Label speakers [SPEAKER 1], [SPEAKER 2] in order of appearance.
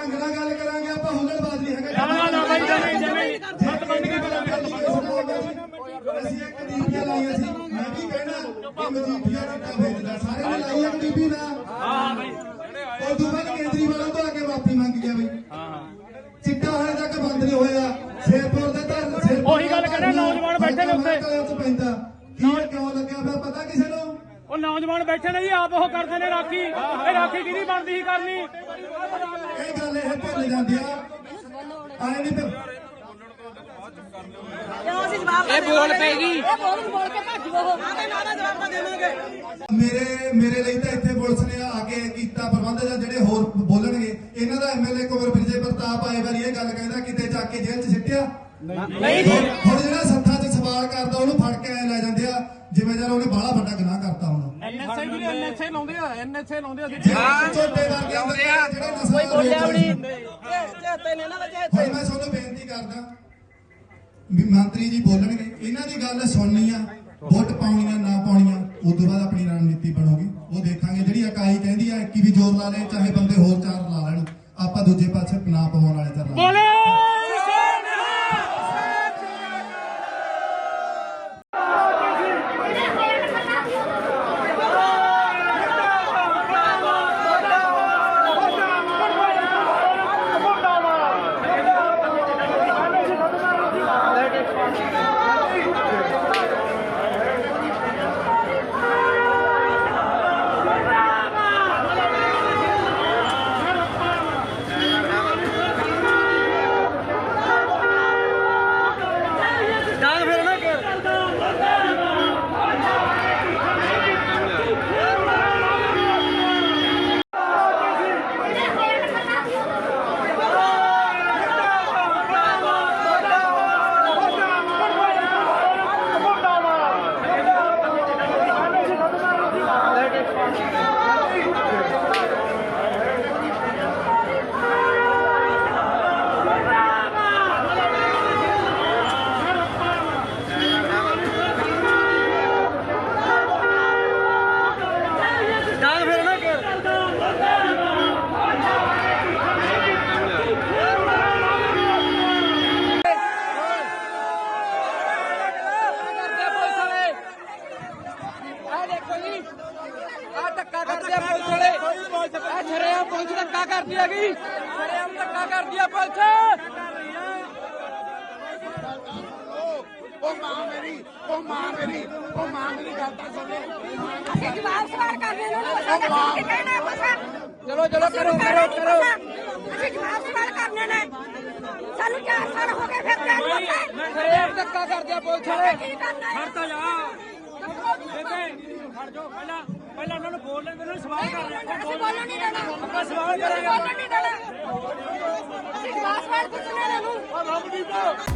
[SPEAKER 1] ढंग नाल गल करांगे आपां हुल्लड़बाज नहीं हैगा ਅਸੀਂ ਇੱਕ ਡੀਪੀਆਂ ਲਾਈਆਂ ਸੀ ਮੈਂ ਵੀ ਕਹਿਣਾ ਕਿ ਮਜੀਠੀਆ ਚਿੱਟਾ ਵੇਚਦਾ ਸਾਰੇ ਨੇ ਲਾਈਆਂ ਡੀਪੀ ਨਾ ਹਾਂ ਬਈ ਉਹ ਤੋਂ ਬਾਅਦ ਕੇਜਰੀਵਾਲ ਤੋਂ ਆ ਕੇ ਮਾਫੀ ਮੰਗ ਗਿਆ ਬਈ ਚਿੱਟਾ ਹਾਲੇ ਤੱਕ ਬੰਦ ਨਹੀਂ ਹੋਇਆ ਸ਼ੇਰਪੁਰ ਦੇ ਧਰਨ
[SPEAKER 2] ਉਹੀ ਗੱਲ ਕਹਿੰਦਾ ਨੌਜਵਾਨ ਬੈਠੇ ਨੇ ਉੱਤੇ
[SPEAKER 1] ਪੈਂਦਾ ਕੀ ਕਿਉਂ ਲੱਗਿਆ ਪਿਆ ਪਤਾ ਕਿਸੇ ਨੂੰ
[SPEAKER 2] ਉਹ ਨੌਜਵਾਨ ਬੈਠੇ ਨੇ ਜੀ ਆਪ ਉਹ ਕਰਦੇ ਨੇ ਰਾਖੀ ਇਹ ਰਾਖੀ ਕਿਹਦੀ ਬਣਦੀ ਸੀ ਕਰਨੀ
[SPEAKER 1] ਇਹ ਗੱਲ ਇਹ ਭੁੱਲ ਜਾਂਦੀ ਆ ਆਏ ਨਹੀਂ
[SPEAKER 3] ਇਹ ਬੋਲ ਪੈਗੀ
[SPEAKER 1] ਮੇਰੇ ਲਈ ਤਾਂ ਇੱਥੇ ਪੁਲਿਸ ਨੇ ਆ ਕੇ ਕੀਤਾ ਪ੍ਰਬੰਧ ਜਾਂ ਜਿਹੜੇ ਹੋਰ ਬੋਲਣਗੇ ਇਹਨਾਂ ਦਾ ਐਮਐਲਏ ਕੁਮਰ ਵਿਜੇ ਪ੍ਰਤਾਪ ਆਏ ਵਾਰੀ ਇਹ ਗੱਲ ਕਹਿੰਦਾ ਕਿਤੇ ਜਾ ਕੇ ਜੇਲ੍ਹ 'ਚ ਸਿੱਟਿਆ
[SPEAKER 2] ਨਹੀਂ
[SPEAKER 1] ਹੁਣ ਜਿਹੜਾ ਸੱਥਾਂ 'ਚ ਸਵਾਲ ਕਰਦਾ ਉਹਨੂੰ ਫੜ ਕੇ ਲੈ ਜਾਂਦੇ ਆ ਜਿਵੇਂ ਜਰ ਉਹਨੇ ਬਾਹਲਾ ਵੱਡਾ ਗੁਨਾਹ ਕਰਤਾ ਹੁਣ
[SPEAKER 2] ਐਨਐਸਏ ਲਾਉਂਦੇ ਆ ਐਨਐਸਏ ਲਾਉਂਦੇ ਆ
[SPEAKER 1] ਛੋਟੇ ਵਰਗੇ ਜਿਹੜੇ ਕੋਈ ਬੋਲਿਆ ਵੀ ਨਹੀਂ ਮੈਂ ਤੁਹਾਨੂੰ ਬੇਨਤੀ ਕਰਦਾ ਵੀ ਮੰਤਰੀ ਜੀ ਬੋਲਣਗੇ ਇਹਨਾਂ ਦੀ ਗੱਲ ਸੁਣਨੀ ਆ ਵੋਟ ਪਾਉਣੀਆਂ ਨਾ ਪਾਉਣੀਆਂ ਉਸ ਤੋਂ ਬਾਅਦ ਆਪਣੀ ਰਣਨੀਤੀ ਬਣੂਗੀ ਉਹ ਦੇਖਾਂਗੇ ਜਿਹੜੀ ਇਕਾਈ ਕਹਿੰਦੀ ਆ ਕਿ ਵੀ ਜ਼ੋਰ ਲਾ ਲੈ ਚਾਹੇ ਬੰਦੇ ਹੋਰ ਚਾਰ ਲਾ ਲੈਣ ਆਪਾਂ ਦੂਜੇ ਪਾਸੇ ਨਾ ਪਵਾਉਣ ਵਾਲੇ ਤਾਂ
[SPEAKER 2] ਬੋਲੇ
[SPEAKER 3] ਪੁਲਿਸ ਧੱਕਾ ਕਰਦੀ ਹੈਗੀ ਸ਼ਰੇਆਮ ਧੱਕਾ ਕਰਦੀ ਆ ਪੁਲਿਸ ਉਹ ਮਾਂ ਮੇਰੀ ਗੱਲ ਤਾਂ ਸੁਣ ਲੈ
[SPEAKER 4] ਅਸੀਂ ਜਵਾਬ ਸਵਾਲ ਕਰਨੇ ਨੂੰ ਕਹਿਣਾ ਬਸ
[SPEAKER 3] ਚਲੋ ਕਰੋ
[SPEAKER 4] ਅਸੀਂ ਜਵਾਬ ਸਵਾਲ ਕਰਨੇ ਨੇ ਸਾਨੂੰ 4 ਸਾਲ ਹੋ ਗਏ ਫਿਰ
[SPEAKER 3] ਸ਼ਰੇਆਮ ਧੱਕਾ ਕਰਦੀ ਆ ਪੁਲਿਸ ਵਾਲੇ
[SPEAKER 2] ਖੜ ਤਾਂ ਜਾ ਬੇਬੇ ਖੜ ਜਾਓ ਪਹਿਲਾਂ ਉਹਨਾਂ ਨੂੰ ਬੋਲ ਲੈਂਦੇ ਨੇ ਸਵਾਲ ਕਰ ਰਹੇ
[SPEAKER 4] ਅਸੀਂ ਬੋਲਣ ਨਹੀਂ ਦੇਣਾ
[SPEAKER 2] ਆਪਾਂ ਸਵਾਲ ਕਰਾਂਗੇ
[SPEAKER 4] ਬੋਲਣ ਨਹੀਂ ਦੇਣਾ ਅਸੀਂ ਜਵਾਬ ਸਵਾਲ ਪੁੱਛਣੇ ਨੇ ਨੂੰ